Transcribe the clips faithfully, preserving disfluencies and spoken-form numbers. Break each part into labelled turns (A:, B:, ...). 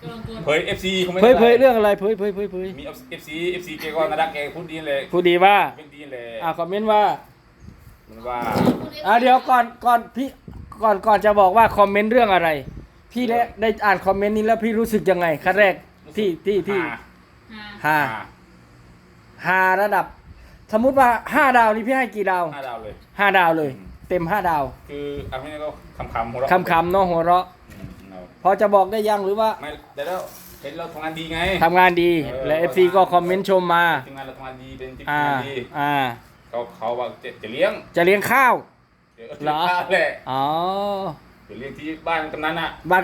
A: เผย เอฟ ซี
B: เผยเผยเรื่องอะไรเผยเผยเผยเผย
A: มี เอฟ ซี เอฟ ซี แกก็น่ารักแกพูดดีเลย
B: พูดดีว่า
A: เป็นดีเลย
B: อ่าคอมเมนต์ว่า
A: มันว่า
B: อ่าเดี๋ยวก่อนก่อนพี่ก่อนก่อนจะบอกว่าคอมเมนต์เรื่องอะไร พี่ได้ได้อ่านคอมเมนต์นี้แล้วพี่รู้สึกยังไงขั้นแรกที่ที่ที่ฮาฮาระดับ สมมุติว่าห้าดาวนี่พี่ให้กี่ดาว
A: ห้าดาวเลย
B: ห้าดาวเลย เต็มห้าดาว
A: คือเอาไม่ได้ก็คำคำหัวเราะ
B: คำคำๆเนาะหัวเราะ
A: อืมเอา
B: พอจะบอกได้ยังหรือว่า
A: ไม่แต่แล้วเห็นเราทำงานดีไง
B: ทำงานดี
A: เออ
B: และ เอฟ ซี ก็คอมเมนต์ชมมา
A: ทีมงานเราทำงานดีเป็นทีม
B: อ่าง
A: านดี
B: อ่า
A: เขาเขาว่าจะจะเลี้ยง
B: จะเลี้ยงข้าว
A: ดี๋ยว
B: เหรอ
A: ข้าวแหละ
B: อ๋อ
A: จะเลี้ยงที่บ้านกำนันอ่ะ
B: บ้าน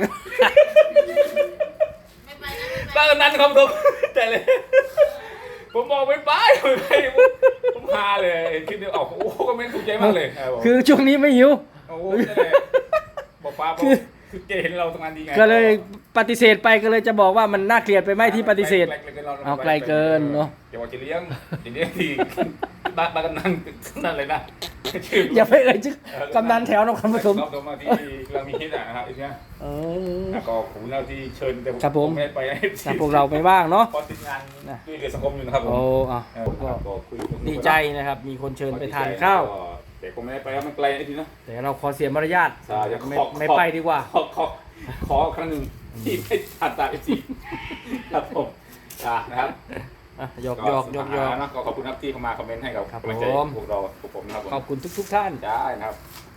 C: ไม่ไปนะไม่ไป
A: บ้านกำนันครับผมแต่เลย ผมบอกไม่ไปไม่ไปผมผมพาเลยคิดเดียวออกโอ้ก็ไม่ถูกใจมากเลยครับผม
B: คือช่วงนี้ไม่หิว
A: โอ้โหนั่นแหละบอกป้าบอก
B: คือ
A: คือเจเห็นเราทำงานดีไง
B: ก็เลยปฏิเสธไปก็เลยจะบอกว่ามันน่าเกลียดไปไหมที่ปฏิเสธ
A: ไกลกินร
B: เอาไกลเกินเนอะ
A: อย่าว่าจะเลี้ยงจะเลี้ยงที่บ้านบ้านกำนันนั่นเลยนะชื่อ
B: อย่าไปเอ่ยชื่อกำนันแถวนครปฐม
A: นครปฐมที่เรามีฮิตอ่ะนะครับไอ้เนี้ย
B: เออ
A: แล้วก็ผมเราที่เชิญแต่
B: ครับผม
A: ไม่ได้ไปให้
B: แต่พวกเราไม่ว่างเนาะ
A: พอติดงานด้วยเหลือสังคมอยู่นะครับผม
B: โอ้อ่ะ
A: เออ
B: ก็
A: ก็คุยกับ
B: ดีใจนะครับ มีคนเชิญไปทานข้าว
A: แต่ผมไม่ได้ไปแล้วมันไกลไอ้ทีนะ
B: แต่เราขอเสียมารยาท
A: ใช่จะขอ
B: ไม่
A: ขอ
B: ไม่ไปดีกว่า
A: ขอขอขอครั้งหนึ่งที่ไม่ทันตาเอฟซีครับผมอ่ะนะครับ
B: อ่ะหยอกหยอกหยอกหยอก
A: นะก็ขอบคุณครับที่เข้ามาคอมเมนต์ให้กับ
B: ครับ
A: กำลังใจ
B: ผม
A: พวกเราพวกผมนะครับผม
B: ขอบคุณทุกทุกๆท่าน
A: ได้นะครับ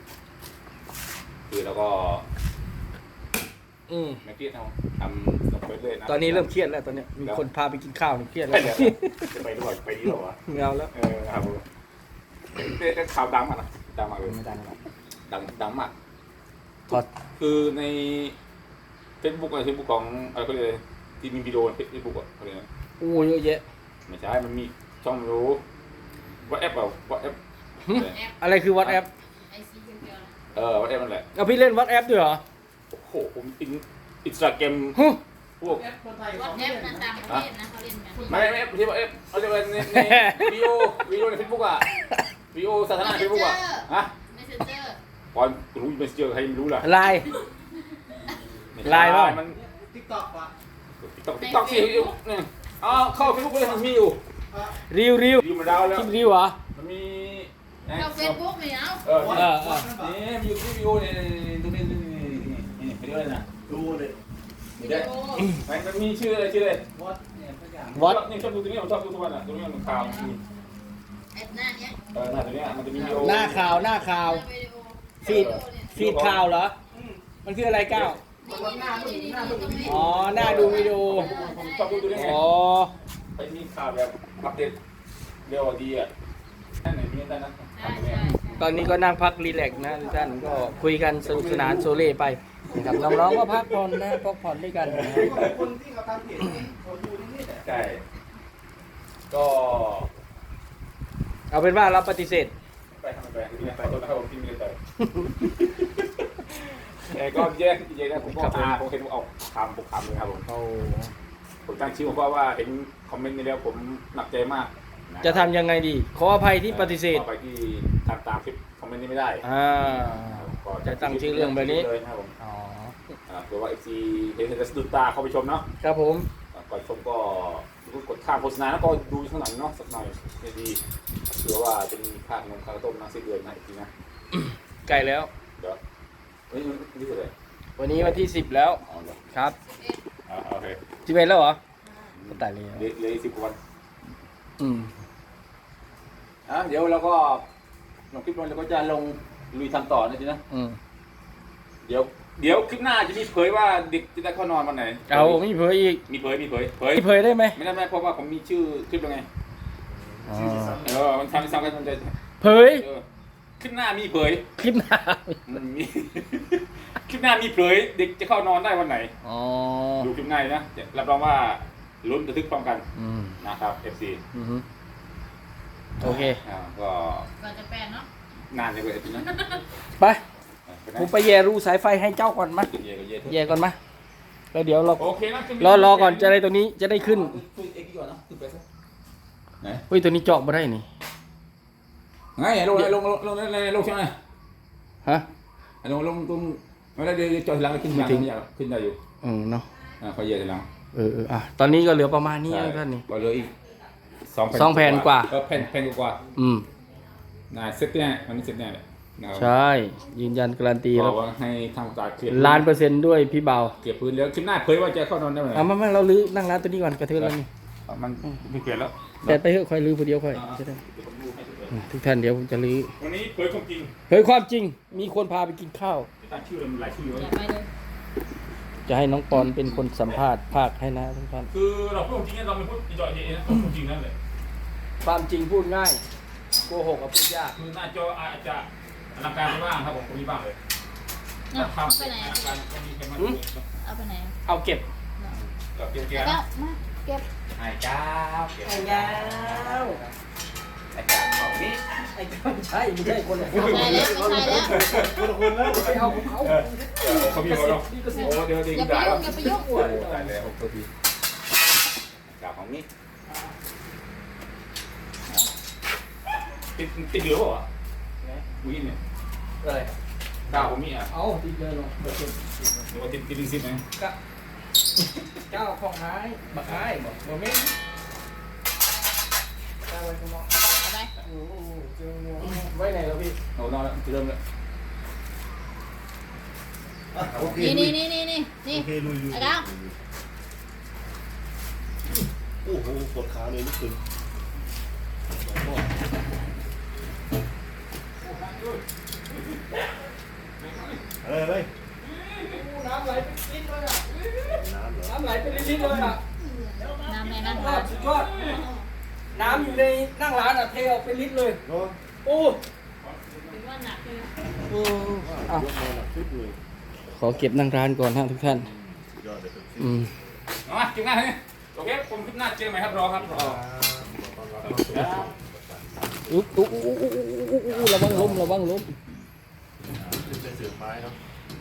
A: คือแล้วก็
B: อืม
A: ไม่เครียดนะทำสำเร็จเลยนะ
B: ตอนนี้เริ่มเครียดแล้วตอนเนี้ยมีคนพาไปกินข้าวนี่เครียดแล้
A: ไม่
B: ว
A: เดี๋ยวจะไปด้วยไปดีหรอวะ
B: เงาแล้ว
A: เออครับผมแต่ข่าวดังมากนะดังมากเลย
B: ไม่ได้แล้ว
A: ดังดังมาก
B: ถอด
A: คือในเฟซบุ๊กอะไรเฟซบุ๊กของอะไรเขาเรียกอะไรที่มีวิดีโอในเฟซบุ๊กอ่ะเขาเรียกอะไร
B: โอ้เยอะแยะ
A: ไม่ใช่มันมีช่องไม่รู้ว่าแอปเปล่าว่าแอป
B: อะไรคือวัดแอป
C: ไอซีเดียวๆนะ
A: เออว่าแอปนั่นแหละ
B: เอาพี่เล่นวัดแอปด้วยเหรอ
A: โอ้โหผมอินอินสตาแกรม
B: ฮึ
A: พวก
C: วัดแอปนะต่างประเทศนะเขาเล่นกัน
A: ไม่ไม่แอปที่ว่าแอปเขาเรียกว่าในในวิดีโอวิดีโอในเฟซบุ๊กอ่ะวิดีโอสาธารณะในเฟซบุ๊กอ่ะฮะ
C: เมสเซนเจอร์
A: ก่อนรู้ไม่เจอใครไม่รู้ล่ะ
B: ไลน์ ไลน์เปล่า
A: มัน
D: ติ๊กต็อกว่ะ
A: ติ๊กต็อกติ๊กต็อกสิเนี่ยอ๋อเข้าเฟซบุ๊กเลยมันมีอยู่
B: ริวริว
A: อยู่มาดาวแล้ว
B: คลิปริวเหรอ
A: มันมี
C: เข้าเฟซบุ๊กเนี่ยเอา
A: เออ
B: เออเออ
A: นี่มีอยู่วิดีโอเนี่ยตรงนี้นี่นี่นี่ไปด้วยนะ
D: ดูเลย
C: วิดีโอ
A: มันมีชื่ออะไรชื่ออะไร
D: วอตเนี่ยทุกอย่าง
B: วัด
A: นี่ชอบดูตรงนี้ผมชอบดูทุกวันอ่ะตรงนี้มันข่าว
C: แอปหน้าเนี้ย
A: เออหน้าตรงนี้มันจะมีวิดีโอ
B: หน้าข่าวหน้าข่าว
C: วิดีโอ
B: ฟีด ฟีดข่าวเหรอ มันคืออะไรก้าว
C: นี่นี่นี่นี่นี่ตรงนี้
B: อ๋อ หน้าดูวิดีโอ
A: ผมชอบดูตรงนี้ไง
B: อ๋อ
A: ไปมีข่าวแบบอัปเดตเร็วดีอ่ะนั่นไหนมีนั่นนะ
C: ใช่ใช่
B: ตอนนี้ก็นั่งพักรีแลกซ์นะทุกท่านก็คุยกันสนุกสนานโซเล่ไปนะครับน้องๆก็พักผ่อนนะพักผ่อนด้วยกันนะครับ
D: คนที่เขาทำเพจนี้เขาดูที่นี่แหละ
A: ใช่ก็
B: เอาเป็นว่าเราปฏิเสธ
A: ไปทำไปที่นี่ไปตัวนะครับผมที่มีเลยไปแต่ก็แยกแยกนะผมก็อาผมเห็นว่าออกคำปุกคำเลยครับผม
B: เอา
A: ผมตั้งชื่อผมเพราะว่าเห็นคอมเมนต์นี้แล้วผมหนักใจมาก
B: จะทำยังไงดี ขออภัยที่ปฏิเสธ
A: ไปที่ตามตามคลิปคอมเมนต์นี้ไม่ได้
B: อ่า จะตั้งชื่อเรื่องแบบนี้
A: เลยนะครับผม
B: อ๋อ
A: เผื่อว่าเอฟซีเห็นจะสะดุดตาเข้าไปชมเนาะ
B: ครับผม
A: ก่อนชมก็กดข้ามโฆษณาแล้วก็ดูข้างหลังเนาะสักหน่อยดีเผื่อว่าจะมีค่าขนมค่าต้มน้ำสิ้นเดือนนะอีกทีนะ
B: ใกล้แล้ว
A: เดี๋ยวเฮ้ยนี่คืออะไร
B: วันนี้วันที่สิบแล้ว
A: อ๋อเดี๋ยว
B: ครับ
A: อ่าโอเค
B: สิบเอ็ดแล้วเหรอก็ตายเลย
A: เหลือเหลือสิบกว่าวัน
B: อืม
A: อ่ะเดี๋ยวเราก็ลงคลิปลงแล้วก็จะลงลุยทำต่อนะทีนะ
B: อืม
A: เดี๋ยวเดี๋ยวคลิปหน้าจะมีเผยว่าเด็กจะได้เข้านอนวันไหน
B: เอาไม่เผยอีก
A: มีเผยมีเผยเผย
B: ไม่เผยได้ไหม
A: ไม่ได้ไม่เพราะว่าผมมีชื่อคลิปแล้วไง
B: อ๋อ
A: เออมันทำซ้ำกันมันจะ
B: เผย
A: เออคลิปหน้ามีเผย
B: คลิปหน้า
A: มันมี คลิปหน้ามีเผยเด็กจะเข้านอนได้วันไหน
B: อ๋อ
A: ดูคลิปหน้าเลยนะจะรับรองว่าลุ้นระทึกพร้อมกัน
B: อืม
A: นะครับ เอฟ ซี
B: อือฮึโอเค
A: อ่าก็
C: ก่อนจะแปลเนาะ
A: นานเลยเว้ยนะ
B: ไป
A: ไปไหน
B: ผมไปแย่รูสายไฟให้เจ้าก่อนมา
A: เย่ก็เย่
B: แย่ก่อนมาแล้วเดี๋ยวเรา
A: โอเคนะ
B: รอรอก่อนจะได้ตัวนี้จะได้ขึ้น
A: ขึ้นเอ็กซ์ก่อนนะขึ้นไปซะไหน
B: เฮ้ยตัวนี้เจาะมาได้นี่
A: ไงลงลงลงลงลงลงใช่ไหม
B: ฮะ
A: ลงลงตรงไม่ได้เดี๋ยวจอดหลังขึ้นมาขึ้นได้อยู่
B: อืมเนาะ
A: อ่าเขาเยอะแล้ว
B: เออเอออ่ะตอนนี้ก็เหลือประมาณนี้
A: ใช่
B: นะท่านนี่
A: เราเหลืออีกสองแผ่น
B: สองแผ่นกว่า
A: เออแผ่นแผ่นกว่า
B: อืม
A: น่าเสร็จแน่วันนี้เสร็จแน่เลยนะครับ
B: ใช่ยืนยันการันตี
A: บ
B: แล้
A: อ
B: ว
A: กว่าให้ทางการเคลียร์
B: ล้านเปอร์เซ็นต์ด้วยพี่เบา
A: เก็บพื้นแล้วคลิปหน้าเผยว่าจะเข้านอนได้ไหม
B: เอามามาเราลื้อนั่งร้านตัวนี้ก่อนกระเทือนแล้วนี่
A: อ่ะมันไม่เปลี่ยนแล้ว
B: แต่ไปเถอะค่อยลื้อผู้เดียวค่อย
A: อ่า
B: จะได้
A: เดี๋ยวผมดูให้เฉย
B: อ่ะทุกท่านเดี๋ยวผมจะลื้อ
A: ๆวันนี้เผยความจริง
B: เฮ้ยความจริงมีคนพาไปกินข้าว
A: ตั้งชื่อเลยมันหลายชื่อ
C: อ
A: เลย
C: ย่าไปเลย
B: จะให้น้องปอนเป็นคนสัมภาษณ์ภาคให้นะทุกท่าน
A: คือเราพูดความจริงเนี่ยเราไม่พูดอีจอยเย็นนะพูดความจริงนั่นแหละ
B: ความจริงพูดง่ายโกหกกับพูดยาก
A: คือหน้าจออาจจะอลังการไปบ้างครับผมก็มีบ้างเลย
C: เอา
A: ทำ
C: ไปไหน
A: อ
C: อะ
A: ลังการก็มีแค่มัน
C: เอาไปไหนอะ
B: เอาเก็บ
A: กับเกียร์เกีย
C: แล้ว
A: ร์
C: ก็มาเก็บ
A: ไอ้เจ้าเก็บ
B: ไอ้ยาว
A: ไอ้เจ้าของนี้
B: ไอ้ไม่ใช่ไม่ใช่คนละ
C: ใช่แล้วไม่ใช่แล้ว
D: คนคนแล้ว
B: ไปเอาของเขา
A: เขามีเขาเนาะโอ้เดี๋ยวดี
C: อย่าไป
A: ด่า
C: ยุ่งอย่าไปยุ่ง
A: โอ้ตายแล้วโอ้ดีเจ้าของนี้ติดติดเหลือเปล่าวะวิ่งเนี่ย
B: อะไร
A: เจ้าผมมีอ่ะ
B: เอาติดเลยลง
A: หรือว่าติดติดลิงซิปไหม
B: กะเจ้าของหายบักหายบอกบ่แม่นเจ้าไว้ข้างนอก
C: เอาไป
B: โอ้โหเจองูไว้ไหนแล้วพี่
A: เอานอนแล้วเริ่มแล้ว
D: โอเค
C: นี่นี่นี่นี่นี่นี่
D: โอเคลุยลุย
C: ไอ้ก้าว
D: โอ้โหปวดขาเลยนี่คือ อะไรอะไร
B: น้ำไหลเป็นลิตรเลยอ่ะ
D: น้ำเหรอ
B: น้ำไหลเป็นลิตรเลยอ่ะ
C: น้ำในนั่ง
B: ยอดสุดยอดน้ำอยู่ในนั่งร้านอ่ะเทออกเป็นลิตรเลย
D: เนาะ
B: โอ้
C: ถือว่าหนักเลย
B: โอ้อ่ะ
D: ยกมาหนักขึ้นเลย
B: ขอเก็บนั่งร้านก่อนฮะทุกท่าน
D: ยอดเลยเป็น
B: อืม
A: เอามาจิ้มหน้าเลยโอเคผมคลิปหน้าเจอไหมครับรอครับรอ
B: อุ๊บอุ๊บอุ๊บอุ๊บอุ๊บอุ๊บอุ๊บระวังล้มระวังล้ม
D: เป็นเสือไม้เนาะ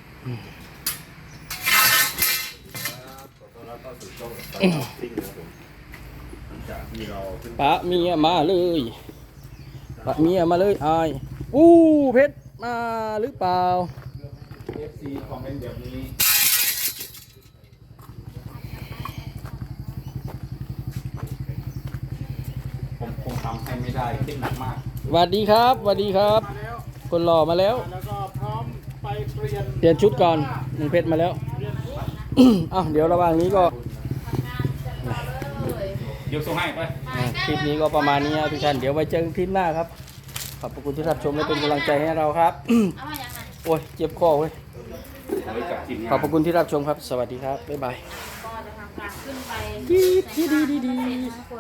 D: ขอต้อนรับเข้าสู่ช่องตลาดซิ่งนะครับผมหลังจากที่เราขึ้น
B: ปะเมียมาเลยปะเมียมาเลยอายอู้เพชรมาหรือเปล่า
A: เอฟซีคอมเมนต์แบบนี้ผมคงทำให้ไม่ได้คิดหนักมาก
B: สวัสดีครับสวัสดีครับ คนหล่อมาแล้ว
D: แล้วก็พร้อมไปเปลี่ยน
B: เปลี่ยนชุดก่อนมึงเพชรมาแล้ว อ้าวเดี๋ยวระหว่างนี้ก็
A: เดี๋ยวส่งให้ไป
B: อ่าคลิปนี้ก็ประมาณนี้นะทุกท่านเดี๋ยวไว้เจอกันคลิปหน้าครับขอบพระคุณที่รับชมและเป็นกำลังใจให้เราครับ
C: เอามาอย่างไร
B: โอ้ยเจ็บคอเว้ย
A: ไว้กับทีมงาน
B: ขอบพระคุณที่รับชมครับ สวัสดีครับบ๊ายบาย
C: ก็จะทำการขึ้นไป
B: ดีดีดีดี